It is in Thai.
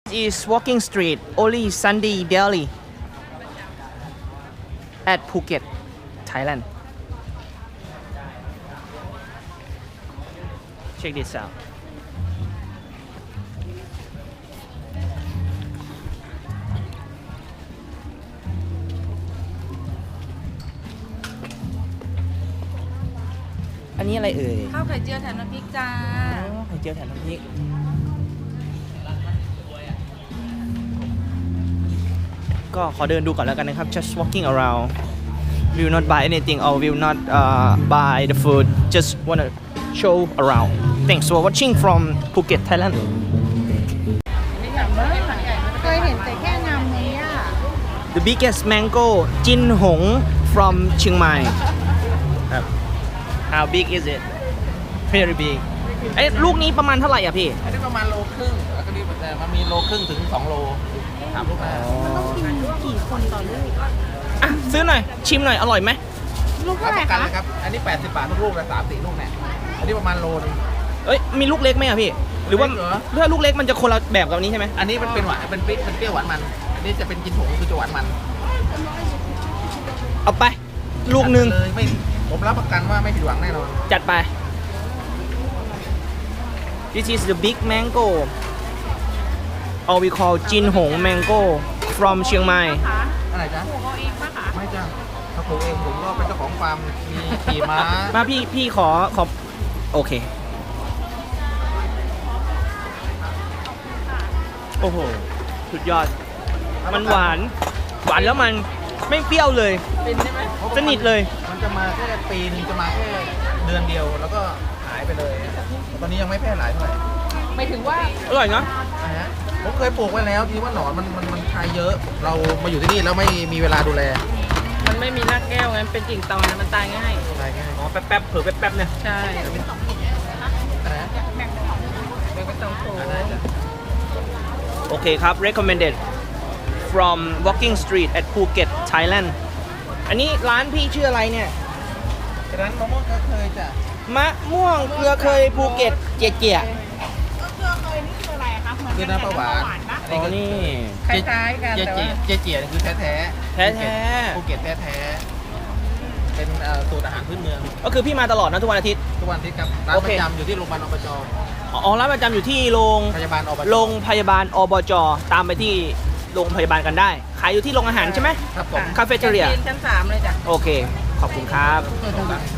is walking street only Sunday daily at Phuket, Thailand. Check this out. Anhนี้อะไรเอ่ยข้าวไข่เจียวแถมน้ำพริกจ้าไข่เจียวแถมน้ำพริกก็ขอเดินดูก่อนแล้วกันนะครับ just walking around will not buy anything or will not buy the food just wanna show around thanks for watching from Phuket Thailand เคยเห็นแต่แค่งามนี้อ่ะ the biggest mango จินหง from เชียงใหม่ครับ how big is it very big เอ้ยลูกนี้ประมาณเท่าไหร่อ่ะพี่อันนี้ประมาณโลครึ่งแล้วก็นี่แต่มันมีโลครึ่งถึง2 โลถามลูกค้ากี่คนต่อลูกอ่ะซื้อหน่อยชิมหน่อยอร่อยไหมลูกรัเท่าบไหปร่ระกันคะเลยครับอันนี้80 บาททุกลูกเลย3-4 ลูกเนี่ยอันนี้ประมาณโลนึงเอ้ยมีลูกเล็กไหมอ่ะพี่ หรือว่าเล็กเหรอถ้าลูกเล็กมันจะคนละแบบกับอันนี้ใช่ไหมอันนี้มันเป็นหวานเป็นเปรี้ยวหวานมันอันนี้จะเป็นกินผงคือจะหวานมันเอาไป ลูกหนึ่งเลยไม่ผมรับประกันว่าไม่ผิดหวังแน่นอนจัดไป This is the big mango or we call จินหง mango from เชียงใหม่อะไรจ๊ะปลูกเอาเองปะคะไม่จ้ะถ้าปลูกเองผมก็เป็นเจ้าของฟาร์มมีขี่ม้ามาพี่ขอโอเค โอ้โห สุดยอด มันหวานแล้วมันไม่เปรี้ยวเลยเป็นใช่ไหมสนิทเลยมันจะมาแค่ปีนึงจะมาแค่เดือนเดียวแล้วก็หายไปเลย ตอนนี้ยังไม่แพร่หลายเท่าไหร่ไม่ถึงว่าอร่อยเนาะนะฮะผมเคยปลูกไว้แล้วทีว่าหนอนมันคายเยอะ เรามาอยู่ที่นี่แล้วไม่มีเวลาดูแลมันไม่มีรากแก้วไงเป็นกิ่งตอนมันตายง่ายตายง่ายอ๋อแป๊บเผลอแป๊บเนี่ยใช่นะแบ่งเป็นสองโถได้จ้ะโอเคครับ recommended from walking street at Phuket Thailand อันนี้ร้านพี่ชื่ออะไรเนี่ยร้านมะม่วงก็เคยจ้ะมะม่วงเกลือเคยภูเก็ตเจียเกลือเคยนี่คืออะไรอะคะคือน้ำปลาหวานปะๆอ๋อนี่คล้ายๆกันเจแต่เจีว่าเจเจียนี่คือแท้ๆแท้ๆภูเก็ตแท้ๆเป็นสูตรอาหารพื้นเมืองก็คือพี่มาตลอดนะทุกวันอาทิตย์ทุกวันอาทิตย์ครับร้านโอปเคระจำอยู่ที่โรงพยาบาลอบจอ๋อร้านประจำอยู่ที่โรงพยาบาลอบจโรงพยาบาลอบจตามไปที่โรงพยาบาลกันได้ ขายอยู่ที่โรงอาหารใช่ไหมครับผมคาเฟ่เทเรียชั้น 3เลยจ้ะโอเค ขอบคุณครับขอบคุณครับ